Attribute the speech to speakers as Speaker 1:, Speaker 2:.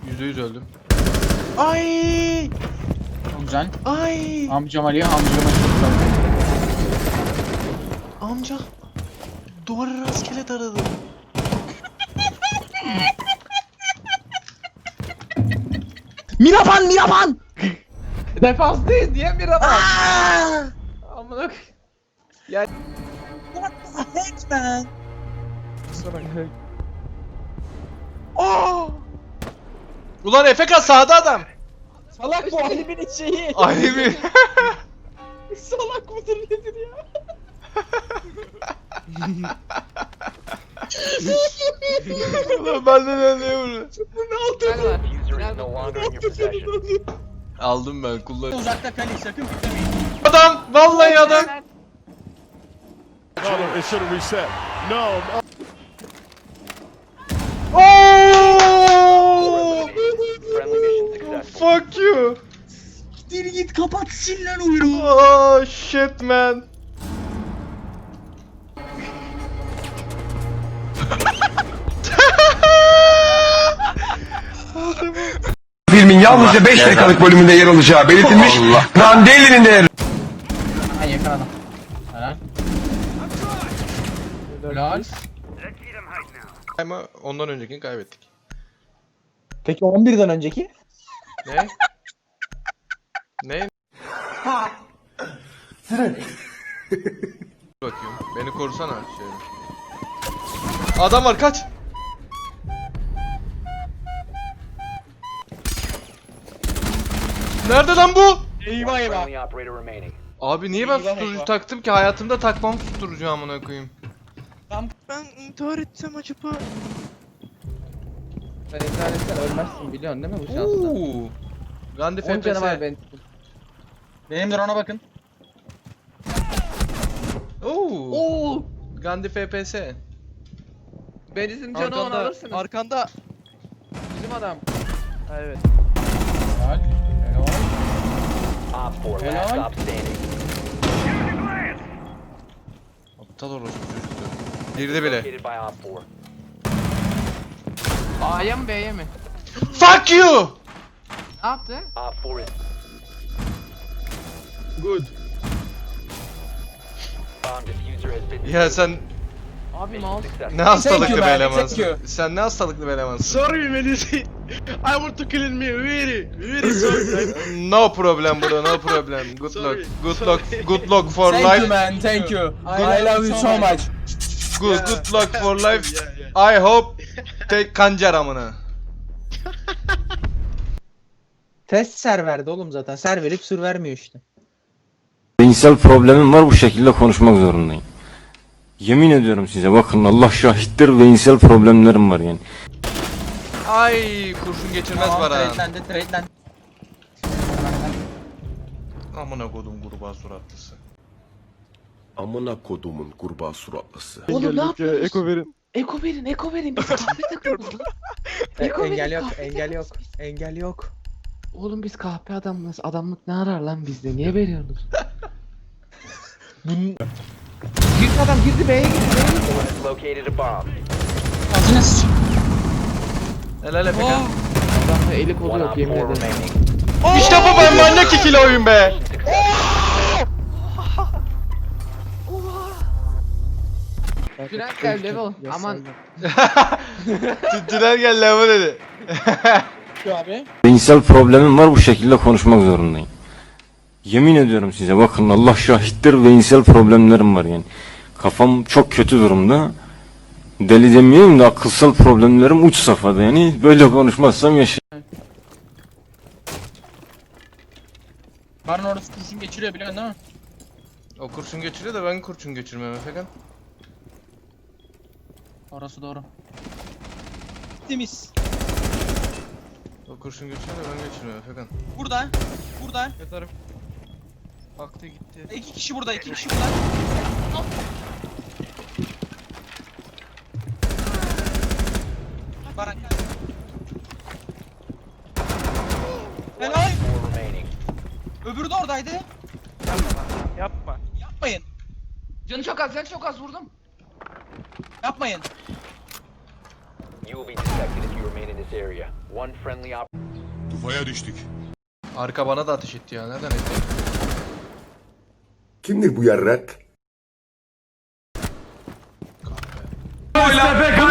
Speaker 1: %100 öldüm.
Speaker 2: Ay!
Speaker 3: Çok güzel.
Speaker 2: Ay!
Speaker 3: Amcam Ali, amcama çok güzel.
Speaker 2: Amca duvarı rastgele taradı.
Speaker 3: Miraban!
Speaker 4: Defanstayız diye mi Ramazan? Amına koyayım. Ya
Speaker 3: What the heck man?
Speaker 1: Ulan Efeka sağda adam.
Speaker 4: salak bu Halim'in şeyi.
Speaker 1: Ali mi?
Speaker 4: Salak mıdır nedir ya?
Speaker 1: Ulan benden anlayamıyorum.
Speaker 5: User is no longer in your possession.
Speaker 1: Aldım ben kullan.
Speaker 3: Uzakta kale, sakın bitmeyin.
Speaker 1: Adam! Vallahi adam!
Speaker 6: It should have reset. No.
Speaker 1: Oh!
Speaker 5: Friendly mission successful.
Speaker 1: Fuck you!
Speaker 3: Dir git kapat sil lan oyunu.
Speaker 1: Oh shit man!
Speaker 7: Filmin yalnızca 5 dakikalık bölümünde yer alacağı belirtilmiş. Randelli'nin de
Speaker 3: Ben yakaladım. Helal. Helal.
Speaker 1: Ama ondan öncekini kaybettik.
Speaker 4: Peki 11'den önceki?
Speaker 1: Ne? Ne? Bakıyorum. Beni korusana şöyle. Adam var kaç. Nerede lan bu?
Speaker 4: Eyvah eyvah.
Speaker 5: Friendly operator remaining.
Speaker 1: Abi niye ben
Speaker 4: Eyvah,
Speaker 1: susturucu
Speaker 4: eyvah.
Speaker 1: taktım ki? Hayatımda takmam susturucu amına koyayım.
Speaker 2: Ben intihar etsem acaba?
Speaker 4: Sen intihar etsen ölmezsin biliyorsun değil mi bu şansla?
Speaker 1: Ooo. Gandhi
Speaker 4: 10 canı var
Speaker 1: FPS.
Speaker 4: benim.
Speaker 3: Benim drone'a bakın.
Speaker 1: Oo.
Speaker 4: Oo!
Speaker 1: Gandhi FPS.
Speaker 4: Benizin canı onu alırsınız.
Speaker 2: Arkanda.
Speaker 4: Bizim adam.
Speaker 2: Evet.
Speaker 3: Helal. Helal.
Speaker 5: Op 4 last
Speaker 3: Helal.
Speaker 5: stop standing.
Speaker 1: Aptal orospu çocuklar. Girdi bile.
Speaker 5: Located by Op 4.
Speaker 4: A'ya mı B'ye mi?
Speaker 1: Fuck you!
Speaker 4: Ne yaptı?
Speaker 5: Op 4 is
Speaker 2: Good.
Speaker 5: bomb diffuser has been
Speaker 1: Ya sen
Speaker 4: Abi
Speaker 5: mission
Speaker 4: mouse.
Speaker 5: successful.
Speaker 1: ne hastalıklı
Speaker 3: you
Speaker 1: bir
Speaker 3: man,
Speaker 1: elemansın.
Speaker 3: thank you.
Speaker 1: Sen ne hastalıklı bir elemansın.
Speaker 2: Sorry Melisi. I want to kill me. Very sorry.
Speaker 1: No problem bro, no problem. Good
Speaker 2: Sorry,
Speaker 1: luck. Good
Speaker 2: sorry.
Speaker 1: luck. Good luck for
Speaker 3: Thank you
Speaker 1: life.
Speaker 3: man, thank you. I love you so much.
Speaker 1: Good luck for life.
Speaker 2: Yeah.
Speaker 1: I hope take kancar amına.
Speaker 4: Test serverdi oğlum zaten. Ser verip sür vermiyor işte.
Speaker 7: Zihinsel problemim var, bu şekilde konuşmak zorundayım. Yemin ediyorum size, bakın Allah şahittir, zihinsel problemlerim var yani.
Speaker 1: Ay kurşun geçirmez
Speaker 3: Tamam,
Speaker 1: var ha.
Speaker 3: trade'lendi.
Speaker 1: Amına kodum kurbağa suratlısı.
Speaker 6: Amına kodumun kurbağa suratlısı.
Speaker 4: Oğlum ne yapıyorsunuz?
Speaker 2: Eko verin.
Speaker 4: Eko verin. Biz kahpe takıyoruz lan. Eko verin,
Speaker 8: Engel yok,
Speaker 4: kahpe
Speaker 8: engel yok,
Speaker 4: takıyoruz biz.
Speaker 8: engel yok.
Speaker 4: Oğlum biz kahpe adamız. Adamlık ne arar lan bizde? Niye veriyorsunuz? Girdi adam girdi B'ye girdi.
Speaker 5: Has located a bomb.
Speaker 3: Ağzına sıçayım.
Speaker 1: Helal Efekan.
Speaker 4: Adamda eli kolu
Speaker 5: One
Speaker 4: yok
Speaker 5: Op 4
Speaker 4: yemin ederim.
Speaker 5: remaining.
Speaker 1: İşte bu, ben manyak ikili oyun be.
Speaker 4: Tünel gel level. Aman.
Speaker 1: Tüttüler gel lan bu dedi.
Speaker 7: Zihinsel problemim var, bu şekilde konuşmak zorundayım. Yemin ediyorum size, bakın Allah şahittir, zihinsel problemlerim var yani. Kafam çok kötü durumda. Deli demeyeyim de akılsal problemlerim uç safhada yani. Böyle konuşmazsam
Speaker 3: Barın orası kurşun geçiriyor biliyorsun değil mi?
Speaker 1: O kurşun geçiriyor da ben kurşun geçirmem Efekan.
Speaker 3: Orası doğru. Temiz.
Speaker 1: O kurşun geçiriyor da ben geçirmem Efekan.
Speaker 3: Burada. Burada.
Speaker 2: Yatarım. Baktı gitti.
Speaker 3: İki kişi burada, iki kişi burada. Baran. Helal.
Speaker 5: 4 remaining.
Speaker 3: Öbürü de oradaydı.
Speaker 2: Yapma.
Speaker 3: Yapmayın.
Speaker 4: Canı çok az vurdum.
Speaker 3: Yapmayın.
Speaker 5: You will be detected if you remain in this area. One friendly op.
Speaker 6: Tufaya düştük.
Speaker 1: Arka bana da ateş etti ya. Nereden etti?
Speaker 6: Kimdir bu yarrak?
Speaker 1: Kahpe.